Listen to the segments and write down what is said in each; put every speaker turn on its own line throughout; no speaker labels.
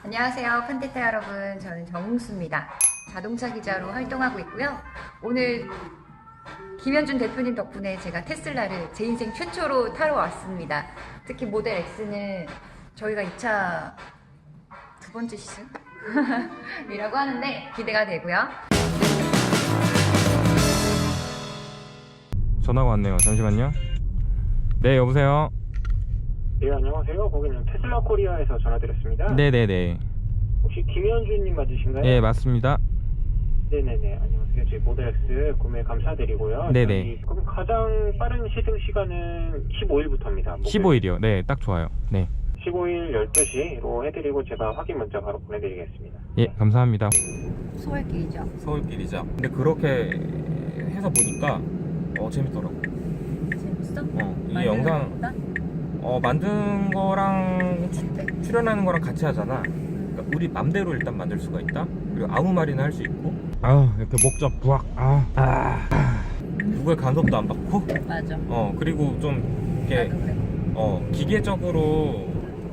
안녕하세요 판테타 여러분, 저는 정웅수입니다. 자동차 기자로 활동하고 있고요. 오늘 김현준 대표님 덕분에 제가 테슬라를 제 인생 최초로 타러 왔습니다. 특히 모델 X는 저희가 2차 두 번째 시즌? 이라고 하는데 기대가 되고요.
전화가 왔네요. 잠시만요. 네, 여보세요.
네, 안녕하세요. 고객님 테슬라 코리아에서 전화드렸습니다.
네네네.
혹시 김현준님 맞으신가요?
네, 맞습니다.
네네네. 안녕하세요. 저희 모델 X 구매 감사드리고요.
네네.
그럼 가장 빠른 시승 시간은 15일부터입니다.
15일이요. 네, 딱 좋아요. 네.
15일 12시로 해드리고 제가 확인 문자 바로 보내드리겠습니다.
예, 감사합니다.
서울길이죠.
서울길이죠. 근데 그렇게 해서 보니까 재밌더라고.
재밌어?
이게 영상 만든 거랑 출연하는 거랑 같이 하잖아. 그러니까 우리 맘대로 일단 만들 수가 있다. 그리고 아무 말이나 할 수 있고. 이렇게 목적 부악. 누구의 간섭도 안 받고.
맞아.
그리고 좀 이렇게
나도 그래.
기계적으로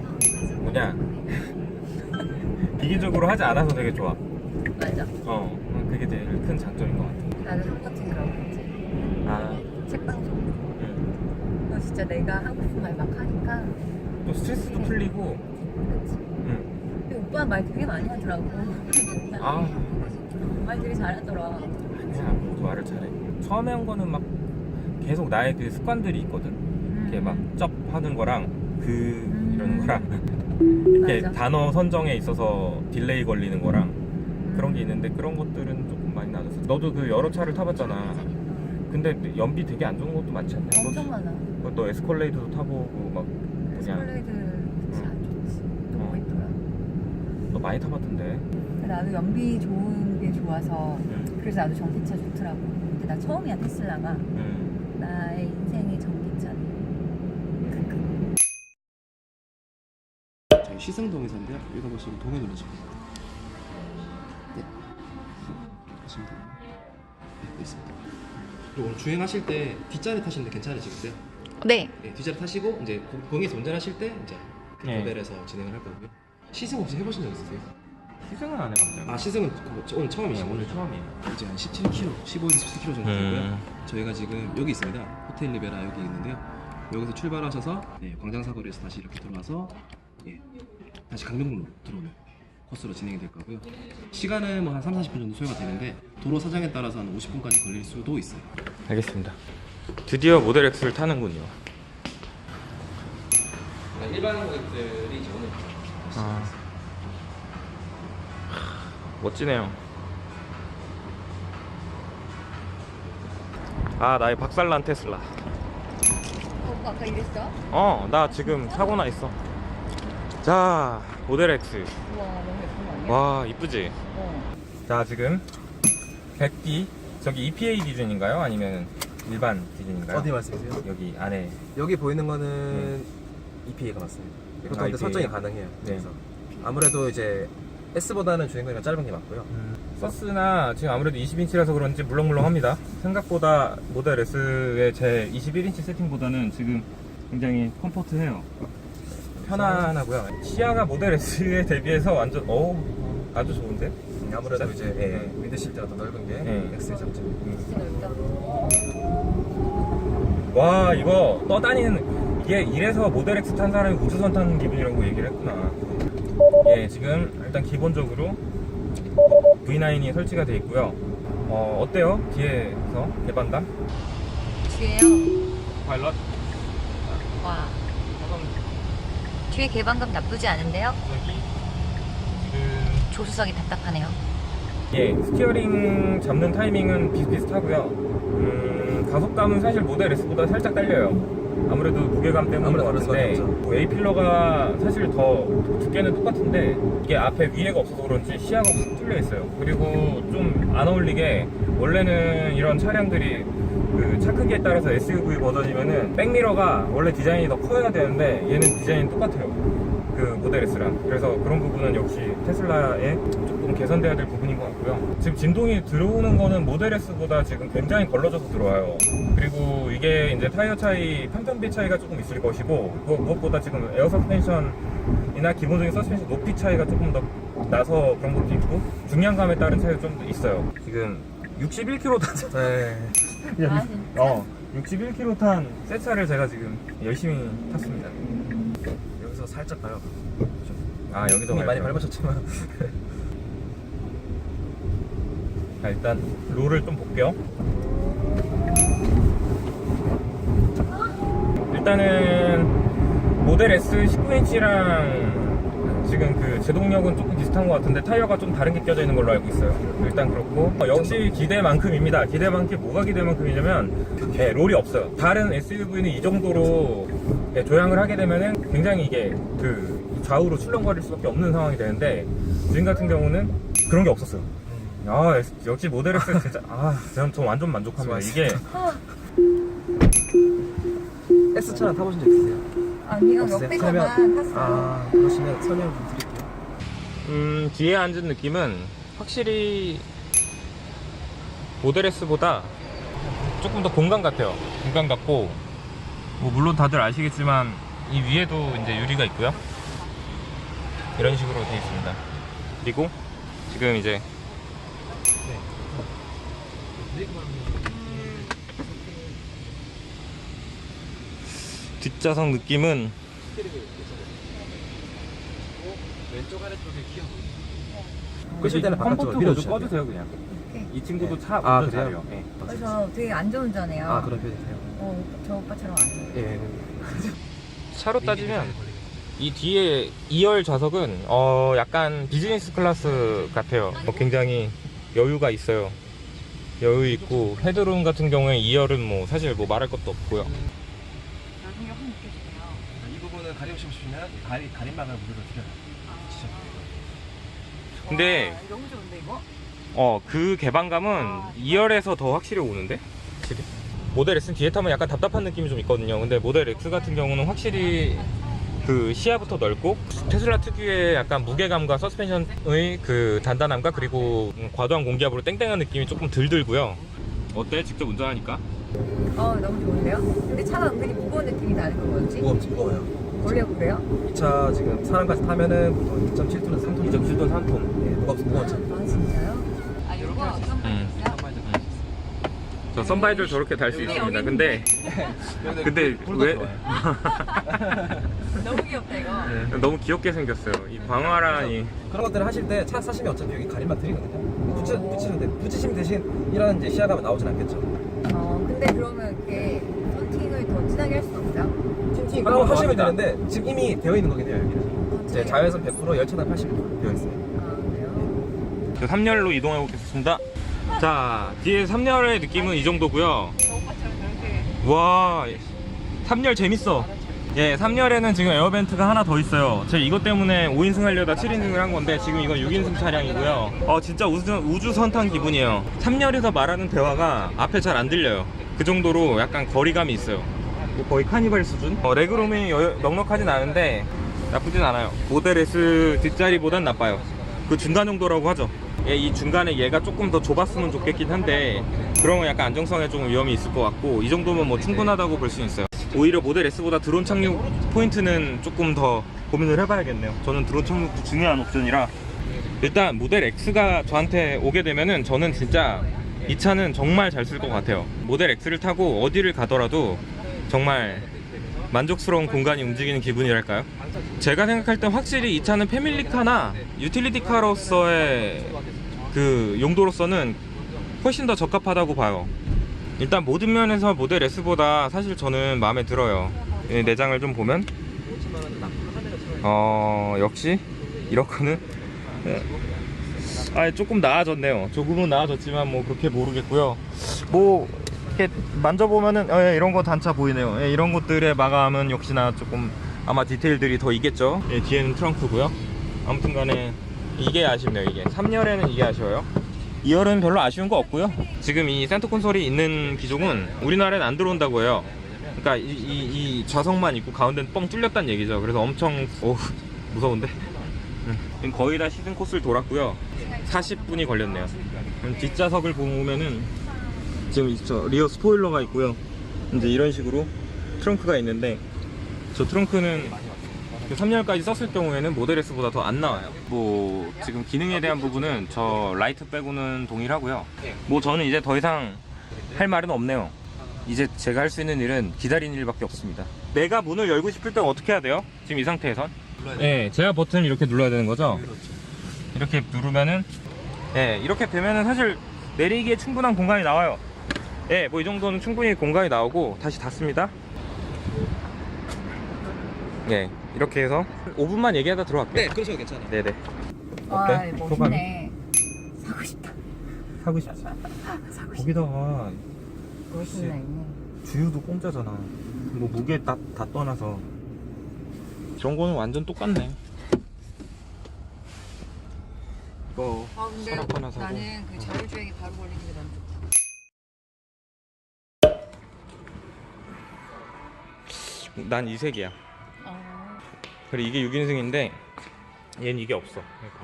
기계적으로 하지 않아서 되게 좋아.
맞아.
그게 제일 큰 장점인 것 같아.
나는 똑같은 그런 거지. 책방송. 너 진짜 내가 하고 싶은 말 막 하니까.
또 스트레스도 풀리고.
그치. 근데 오빠 말 되게 많이 하더라고. 말 되게 잘하더라.
아니야, 모두 말을 잘해. 처음에 한 거는 막 계속 나의 그 습관들이 있거든. 이렇게 막 쩝 하는 거랑 이러는 거랑 이렇게
맞아.
단어 선정에 있어서 딜레이 걸리는 거랑 그런 게 있는데, 그런 것들은 조금 많이 나아졌어. 너도 그 여러 차를 타봤잖아. 근데 연비 되게 안 좋은 것도 많지 않냐?
엄청 많아.
너 에스컬레이드도 타보고 막
에스컬레이드 그치 안 좋지. 너무 있더라.
너 많이 타봤던데.
나도 연비 좋은 게 좋아서 그래서 나도 전기차 좋더라고. 근데 나 처음이야 테슬라가. 나의 인생의 전기차네.
저희 시승동에서인데요. 여기다 보시면 동에 눌러주세요. 네. 하시면 돼요. 네, 여기 있습니다. 그리고 오늘 주행하실 때 뒷자리 타시는데 괜찮으시겠어요?
네.
네, 뒷자리 타시고 이제 공에서 운전하실 때 이제
네.
레벨에서 진행을 할 거고요. 시승 혹시 해보신 적 있으세요?
시승은 안 해봤어요.
시승은 오늘 처음이시죠?
오늘 처음이에요.
이제 한 17km, 15에서 17km 정도 되고요. 저희가 지금 여기 있습니다. 호텔 리베라 여기 있는데요. 여기서 출발하셔서 광장사거리에서 다시 이렇게 들어와서 다시 강릉로 들어오는 코스로 진행이 될 거고요. 시간은 뭐 한 3, 40분 정도 소요가 되는데 도로 사정에 따라서 한 50분까지 걸릴 수도 있어요.
알겠습니다. 드디어 모델 X를 타는군요.
일반 고객들이 이제 오늘
멋지네요. 나의 박살난 테슬라.
오빠 아까 이랬어?
나 지금 사고 나 있어. 자, 모델 X.
우와 너무 예쁜 거 아니야?
와, 이쁘지? 자, 지금 100D. 저기 EPA 기준인가요? 아니면 일반 기준인가요?
어디 말씀이세요?
여기 안에.
여기 보이는 거는 EPA가 맞습니다. 이것도 근데
EPA.
설정이 가능해요.
네.
그래서 아무래도 이제 S보다는 주행거리가 짧은 게 맞고요.
서스나 지금 아무래도 20인치라서 그런지 물렁물렁합니다. 생각보다 모델 S의 제 21인치 세팅보다는 지금 굉장히 컴포트해요. 편안하고요. 시야가 모델 S에 대비해서 완전 아주 좋은데?
아무래도
진짜?
이제 미드실 때가 더 넓은 게 X의 장점이고.
진짜 넓다.
와, 이거 떠다니는, 이게 이래서 모델 X 탄 사람이 우주선 타는 기분이라고 얘기를 했구나. 지금 일단 기본적으로 V9이 설치가 되어 있고요. 어때요? 뒤에서 개반감?
뒤에요?
파일럿?
와. 뒤에 개방감 나쁘지 않은데요?
여기 지금
조수석이 답답하네요.
스티어링 잡는 타이밍은 비슷비슷하고요. 가속감은 사실 모델 S보다 살짝 딸려요. 아무래도 무게감 때문인 것 같은데, A필러가 사실 더 두께는 똑같은데 이게 앞에 위에가 없어서 그런지 시야가 확 뚫려 있어요. 그리고 좀 안 어울리게, 원래는 이런 차량들이 그 차 크기에 따라서 SUV 버전이면은 백미러가 원래 디자인이 더 커야 되는데 얘는 디자인이 똑같아요, 그 모델 S랑. 그래서 그런 부분은 역시 테슬라에 조금 개선돼야 될 부분인 것 같고요. 지금 진동이 들어오는 거는 모델 S보다 지금 굉장히 걸러져서 들어와요. 그리고 이게 이제 타이어 차이, 편편비 차이가 조금 있을 것이고, 무엇보다 지금 에어 서스펜션 이나 기본적인 서스펜션 높이 차이가 조금 더 나서 그런 것도 있고 중량감에 따른 차이가 좀 있어요. 지금 61km 탔어요.
네.
61km 탄 새 차를 제가 지금 열심히 탔습니다.
여기서 살짝 가요.
아, 여기도
이미 많이
밟아요.
밟으셨지만.
자, 일단 롤을 좀 볼게요. 일단은 모델 S 19인치랑 지금 그 제동력은 조금 비슷한 것 같은데 타이어가 좀 다른 게 껴져 있는 걸로 알고 있어요. 일단 그렇고 역시 기대만큼입니다. 기대만큼 뭐가 기대만큼이냐면 롤이 없어요. 다른 SUV는 이 정도로 조향을 하게 되면은 굉장히 이게 그 좌우로 출렁거릴 수밖에 없는 상황이 되는데 지금 같은 경우는 그런 게 없었어요. 아, 역시 모델 S 진짜 저는 완전 만족합니다. 이게
S차는 타보신 적 있으세요?
아니요,
없으세요?
옆에서만 탔어요.
아, 그러시면 설명 좀 드릴게요.
뒤에 앉은 느낌은 확실히 모델 S보다 조금 더 공간 같아요. 공간 같고 뭐 물론 다들 아시겠지만 이 위에도 이제 유리가 있고요. 이런 식으로 되어 있습니다. 그리고 지금 이제 뒷좌석 느낌은
왼쪽 아래쪽에 기어.
끄실
때는
컴포트
바깥쪽으로
모드
밀어주셔야
꺼주세요 그냥.
오케이.
이 친구도
네.
차
아,
운전
그래요?
잘해요. 네.
그래서 되게 안전운전해요.
그런 편이세요?
저 오빠처럼 안 해요.
예.
차로 따지면 이 뒤에 2열 좌석은 약간 비즈니스 클래스 같아요. 굉장히 여유가 있어요. 여유 있고 헤드룸 같은 경우에 2열은 뭐 사실 뭐 말할 것도 없고요.
나중에 확 느껴지네요.
이 부분은 가려우시고 싶으면 가림막을 무료로 드려요.
근데
와, 너무 좋은데 이거?
그 개방감은 2열에서 더 확실히 오는데? 확실히. 모델 S는 뒤에 타면 약간 답답한 느낌이 좀 있거든요. 근데 모델 X 같은 경우는 확실히 그 시야부터 넓고 테슬라 특유의 약간 무게감과 서스펜션의 그 단단함과 그리고 과도한 공기압으로 땡땡한 느낌이 조금 덜 들고요. 어때? 직접 운전하니까?
너무 좋은데요? 근데 차가 은근히 무거운 느낌이 나는 거 뭐였지?
무거워요.
원래 그래요?
이 차 지금 사람까지 타면은 보통 2.7톤에서 3톤.
2.7톤 3톤.
예, 무거운 차.
아 진짜요? 아 이거 어떤 거 있어요?
저 썬바이저 저렇게 달 수 있습니다. 근데 왜
너무 귀엽다 이거.
너무 귀엽게 생겼어요. 이 광활한
그런 것들을 하실 때 차 사시면 어차피 여기 가림막 드리거든요. 붙이시면 대신 이런 이제 시야감은 나오진 않겠죠.
근데 그러면 이렇게 썬팅을 더 진하게 할 수는 없어요?
틴팅
그럼 하시면 되는데 지금 이미 되어 있는 거긴 해요. 여기는. 이제 자외선 100% 열차단 80% 되어 있어요.
아 그래요?
3열로 이동해 보겠습니다. 자, 뒤에 3열의 느낌은 이 정도고요.
저 오빠처럼 저렇게
와, 3열 재밌어. 예, 3열에는 지금 에어벤트가 하나 더 있어요. 제가 이것 때문에 5인승 하려다 7인승을 한 건데 지금 이건 6인승 차량이고요. 진짜 우주 선탄 기분이에요. 3열에서 말하는 대화가 앞에 잘 안 들려요. 그 정도로 약간 거리감이 있어요. 거의 카니발 수준? 레그룸이 넉넉하진 않은데 나쁘진 않아요. 모델 S 뒷자리보단 나빠요. 그 중간 정도라고 하죠. 이 중간에 얘가 조금 더 좁았으면 좋겠긴 한데 그러면 약간 안정성에 좀 위험이 있을 것 같고 이 정도면 뭐 충분하다고 볼 수 있어요. 오히려 모델 S보다 드론 착륙 포인트는 조금 더 고민을 해봐야겠네요. 저는 드론 착륙도 중요한 옵션이라 일단 모델 X가 저한테 오게 되면은 저는 진짜 이 차는 정말 잘 쓸 것 같아요. 모델 X를 타고 어디를 가더라도 정말 만족스러운 공간이 움직이는 기분이랄까요? 제가 생각할 땐 확실히 이 차는 패밀리카나 유틸리티카로서의 그 용도로서는 훨씬 더 적합하다고 봐요. 일단 모든 면에서 모델 S보다 사실 저는 마음에 들어요. 내장을 좀 보면 역시 이렇게는 조금 나아졌네요. 조금은 나아졌지만 뭐 그렇게 모르겠고요. 뭐 이렇게 만져보면은 이런 거 단차 보이네요. 이런 것들의 마감은 역시나 조금 아마 디테일들이 더 있겠죠. 뒤에는 트렁크고요. 아무튼 간에 이게 아쉽네요. 이게 3열에는 이게 아쉬워요. 2열은 별로 아쉬운 거 없고요. 지금 이 센터 콘솔이 있는 기종은 우리나라엔 안 들어온다고 해요. 그러니까 이 좌석만 있고 가운데는 뻥 뚫렸다는 얘기죠. 그래서 엄청 무서운데 거의 다 시즌 코스를 돌았고요. 40분이 걸렸네요. 뒷좌석을 보면은 지금 리어 스포일러가 있고요. 이제 이런 식으로 트렁크가 있는데 저 트렁크는 그 3열까지 썼을 경우에는 모델 S보다 더 안 나와요. 뭐 지금 기능에 대한 부분은 저 라이트 빼고는 동일하고요. 뭐 저는 이제 더 이상 할 말은 없네요. 이제 제가 할 수 있는 일은 기다리는 일밖에 없습니다. 내가 문을 열고 싶을 땐 어떻게 해야 돼요? 지금 이 상태에선? 네, 제가 버튼을 이렇게 눌러야 되는 거죠? 이렇게 누르면은, 네, 이렇게 되면은 사실 내리기에 충분한 공간이 나와요. 네, 뭐 이 정도는 충분히 공간이 나오고 다시 닫습니다. 네, 이렇게 해서 5분만 얘기하다 들어갈게요.
네, 그러셔도 괜찮아요.
네네.
와,
어때?
멋있네. 사고 싶다.
사고 싶지?
사고 싶다.
거기다가
멋있네.
주유도 공짜잖아. 뭐 무게 다 떠나서 이런 거는 완전 똑같네. 이거
아, 근데
서랍 하나 사고.
나는 그 자율주행이 바로 걸리는 게 너무 좋다.
난 이 색이야.
어.
그래 이게 6인승인데 얘는 이게 없어. 그러니까.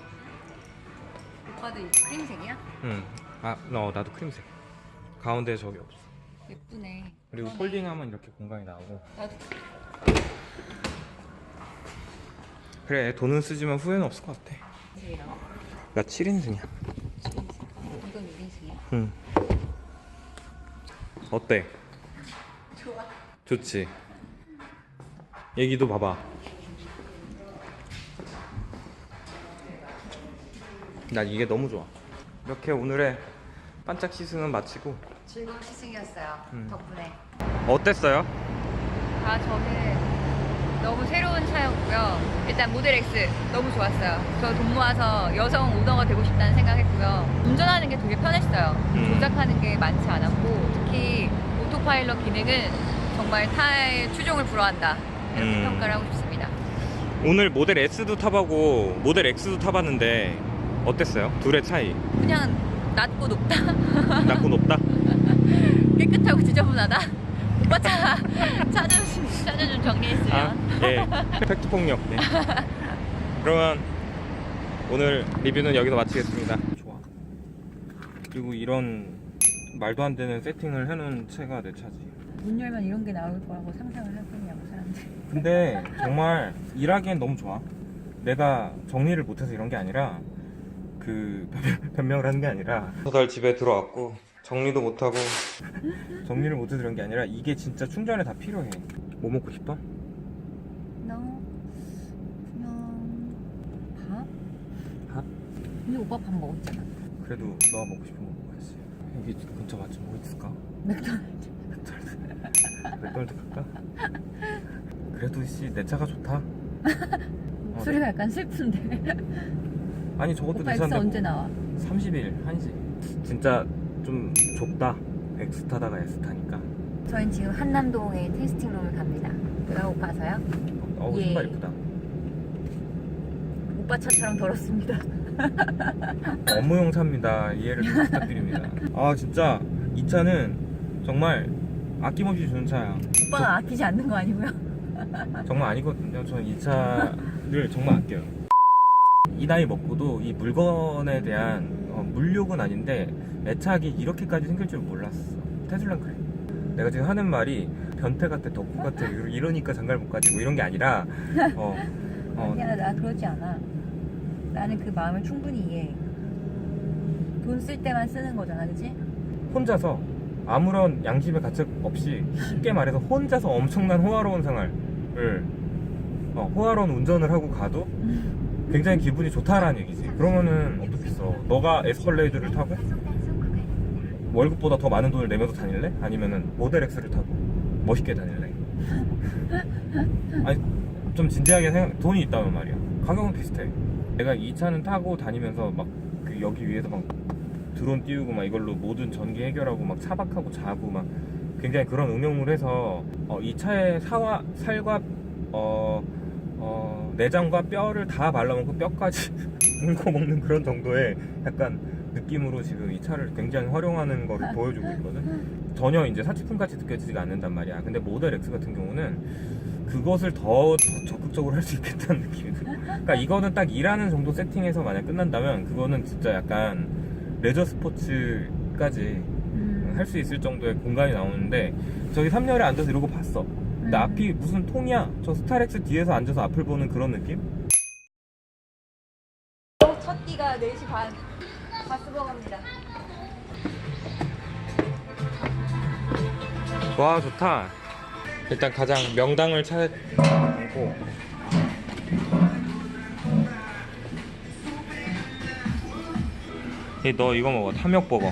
오빠도 이 크림색이야?
응. 아, 나도 크림색. 가운데 저기 없어.
예쁘네.
그리고
그러네.
폴딩하면 이렇게 공간이 나오고.
나도
그래 돈은 쓰지만 후회는 없을 것 같아.
크림색이랑
나 7인승이야.
이건 6인승이야?
응. 어때?
좋아.
좋지? 얘기도 봐봐. 난 이게 너무 좋아. 이렇게 오늘의 반짝 시승은 마치고.
즐거운 시승이었어요. 덕분에.
어땠어요?
아, 저는 너무 새로운 차였고요. 일단 모델 X 너무 좋았어요. 저 돈 모아서 여성 오너가 되고 싶다는 생각했고요. 운전하는 게 되게 편했어요. 조작하는 게 많지 않았고 특히 오토파일럿 기능은 정말 타의 추종을 불허한다. 이렇게 평가를 하고 싶습니다.
오늘 모델 S도 타보고 모델 X도 타봤는데 어땠어요? 둘의 차이.
그냥 낮고 높다.
낮고 높다?
깨끗하고 지저분하다. 오빠 차 좀 정리했으면.
아, 예. 팩트 폭력. 네. 그러면 오늘 리뷰는 여기서 마치겠습니다. 좋아. 그리고 이런 말도 안 되는 세팅을 해놓은 채가 내 차지.
문 열면 이런 게 나올 거라고 상상을 할 거냐고 사람들.
근데 정말 일하기엔 너무 좋아. 내가 정리를 못해서 이런 게 아니라 그 변명을 하는 게 아니라 달 집에 들어왔고 정리도 못하고 정리를 못해서 이런 게 아니라 이게 진짜 충전에 다 필요해. 뭐 먹고 싶어?
너 그냥 밥?
밥?
근데 오빠 밥 먹었잖아.
그래도 너가 먹고 싶은 거 먹어야지. 여기 근처 맛집 뭐 있을까?
맥도날드.
맥도날드 갈까? 그래도 씨 내 차가 좋다.
소리가 약간 슬픈데.
아니 저것도
오빠
내
X
차인데
언제
뭐.
나와?
30일 1시. 진짜 좀 좁다. X 타다가 S 타니까.
저희는 지금 한남동에 테스팅룸을 갑니다. 배가 고파서요.
어우
예.
신발 이쁘다.
오빠 차처럼 더럽습니다.
업무용 차입니다. 이해를 좀 부탁드립니다. 아 진짜 이 차는 정말 아낌없이 주는 차야.
오빠가 아끼지 않는 거 아니고요?
정말 아니거든요. 저는 이 차를 정말 아껴요. 이 나이 먹고도 이 물건에 대한 물욕은 아닌데 애착이 이렇게까지 생길 줄 몰랐어. 테슬라는 그래. 내가 지금 하는 말이 변태 같아, 덕후 같아, 이러니까 장가를 못 가지 뭐 이런 게 아니라
아니야, 나 그러지 않아. 나는 그 마음을 충분히 이해해. 돈 쓸 때만 쓰는 거잖아, 그치?
혼자서 아무런 양심의 가책 없이 쉽게 말해서 혼자서 엄청난 호화로운 생활을 호화로운 운전을 하고 가도 굉장히 기분이 좋다라는 얘기지. 그러면은 어떻겠어? 너가 에스컬레이드를 타고 월급보다 더 많은 돈을 내면서 다닐래? 아니면은 모델 X를 타고 멋있게 다닐래? 아니 좀 진지하게 돈이 있다면 말이야. 가격은 비슷해. 내가 이 차는 타고 다니면서 막 그 여기 위에서 막 드론 띄우고 막 이걸로 모든 전기 해결하고 막 차박하고 자고 막 굉장히 그런 응용을 해서 이 차의 살과 내장과 뼈를 다 발라먹고 뼈까지 물고 먹는 그런 정도의 약간 느낌으로 지금 이 차를 굉장히 활용하는 거를 보여주고 있거든. 전혀 이제 사치품같이 느껴지지가 않는단 말이야. 근데 모델 X 같은 경우는 그것을 더 적극적으로 할 수 있겠다는 느낌이 들어. 그러니까 이거는 딱 일하는 정도 세팅해서 만약 끝난다면 그거는 진짜 약간 레저 스포츠까지 할 수 있을 정도의 공간이 나오는데 저기 3열에 앉아서 이러고 봤어. 근데 앞이 무슨 통이야? 저 스타렉스 뒤에서 앉아서 앞을 보는 그런 느낌?
첫 끼가 4시 반. 바스버거입니다.
와 좋다. 일단 가장 명당을 찾고 너 이거 먹어. 탐욕버거.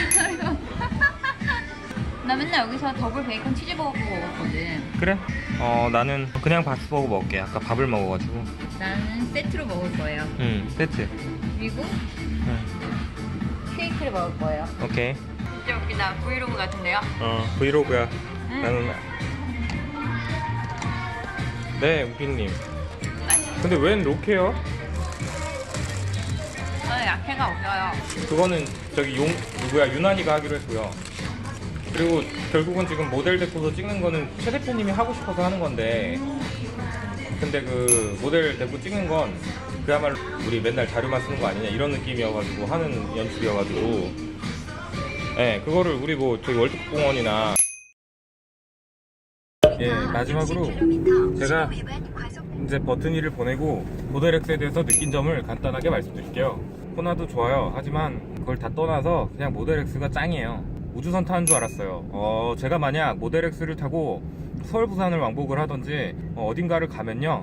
나 맨날 여기서 더블 베이컨 치즈버거 먹었거든.
그래? 나는 그냥 바스버거 먹을게. 아까 밥을 먹어가지고.
나는 세트로 먹을 거예요.
세트.
그리고
응.
케이크를 먹을 거예요.
오케이.
진짜 웃기다. 브이로그 같은데요?
브이로그야. 나는. 네, 우빈님. 근데 웬 로케요?
저는 약해가 없어요.
그거는 저기 누구야 유난이가 하기로 했고요. 그리고 결국은 지금 모델 데리고서 찍는 거는 최 대표님이 하고 싶어서 하는 건데, 근데 그 모델 데리고 찍는 건 그야말로 우리 맨날 자료만 쓰는 거 아니냐 이런 느낌이어가지고 하는 연출이어가지고, 네, 그거를 우리 뭐 저기 월드컵공원이나 마지막으로 제가 이제 버튼이를 보내고 모델 X에 대해서 느낀 점을 간단하게 말씀드릴게요. 코나도 좋아요. 하지만 그걸 다 떠나서 그냥 모델 X가 짱이에요. 우주선 타는 줄 알았어요. 제가 만약 모델 X를 타고 서울 부산을 왕복을 하던지 어딘가를 가면요,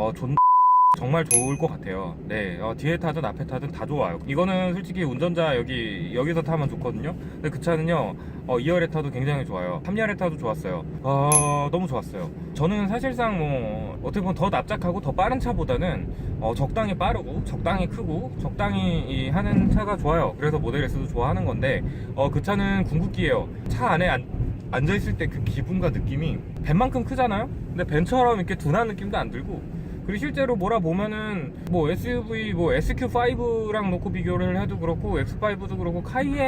정말 좋을 것 같아요. 네, 뒤에 타든 앞에 타든 다 좋아요. 이거는 솔직히 운전자 여기서 타면 좋거든요. 근데 그 차는요, 2열에 타도 굉장히 좋아요. 3열에 타도 좋았어요. 너무 좋았어요. 저는 사실상 뭐 어떻게 보면 더 납작하고 더 빠른 차보다는 적당히 빠르고 적당히 크고 적당히 하는 차가 좋아요. 그래서 모델 S도 좋아하는 건데, 그 차는 궁극기예요. 차 안에 앉아있을 때 그 기분과 느낌이 벤만큼 크잖아요. 근데 벤처럼 이렇게 둔한 느낌도 안 들고, 그리고 실제로 몰아보면은 뭐 SUV 뭐 SQ5랑 놓고 비교를 해도 그렇고, X5도 그렇고,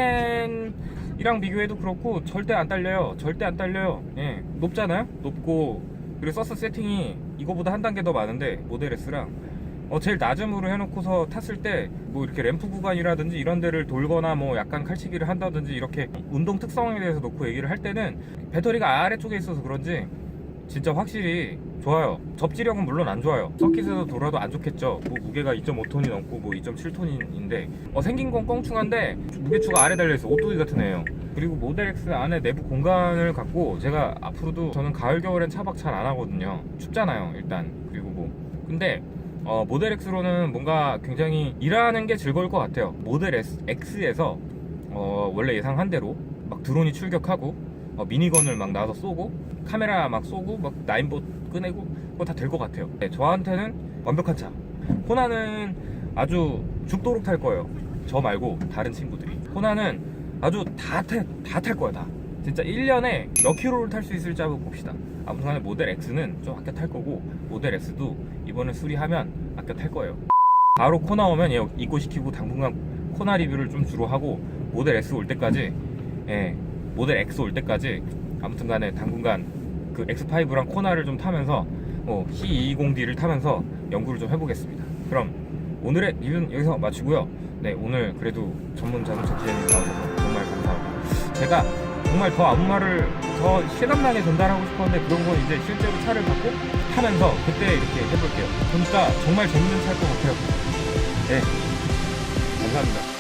카이엔이랑 비교해도 그렇고 절대 안 딸려요. 절대 안 딸려요. 예, 높잖아요. 높고, 그리고 서스 세팅이 이거보다 한 단계 더 많은데 모델 S랑 제일 낮음으로 해놓고서 탔을 때 뭐 이렇게 램프 구간이라든지 이런 데를 돌거나 뭐 약간 칼치기를 한다든지 이렇게 운동 특성에 대해서 놓고 얘기를 할 때는 배터리가 아래쪽에 있어서 그런지 진짜 확실히 좋아요. 접지력은 물론 안 좋아요. 서킷에서 돌아도 안 좋겠죠. 뭐 무게가 2.5톤이 넘고 뭐 2.7톤인데 생긴 건 껑충한데 무게추가 아래 달려있어. 오뚜기 같은 애예요. 그리고 모델 X 안에 내부 공간을 갖고 제가 앞으로도, 저는 가을 겨울엔 차박 잘 안 하거든요. 춥잖아요 일단. 그리고 뭐 근데 모델 X로는 뭔가 굉장히 일하는 게 즐거울 것 같아요. 모델 X에서 원래 예상한 대로 막 드론이 출격하고 미니건을 막 나와서 쏘고 카메라 막 쏘고 막 나인봇 꺼내고 그거 다 될 것 같아요. 네, 저한테는 완벽한 차. 코나는 아주 죽도록 탈 거예요. 저 말고 다른 친구들이. 코나는 아주 다 탈 거야 다. 진짜 1년에 몇 킬로를 탈 수 있을지 한번 봅시다. 아무튼 모델 X는 좀 아껴 탈 거고, 모델 S도 이번에 수리하면 아껴 탈 거예요. 바로 코나 오면 얘 입고시키고 당분간 코나 리뷰를 좀 주로 하고, 모델 S 올 때까지, 모델 X 올 때까지 아무튼 간에 당분간 그 X5랑 코나를 좀 타면서 C220D를 타면서 연구를 좀 해보겠습니다. 그럼 오늘의 리뷰는 여기서 마치고요. 네, 오늘 그래도 전문 자동차 기자님 나오셔서 정말 감사하고, 제가 정말 더 아무 말을 더 실감나게 전달하고 싶었는데 그런 건 이제 실제로 차를 갖고 타면서 그때 이렇게 해볼게요. 보니까 정말 재밌는 차일 것 같아요. 네, 감사합니다.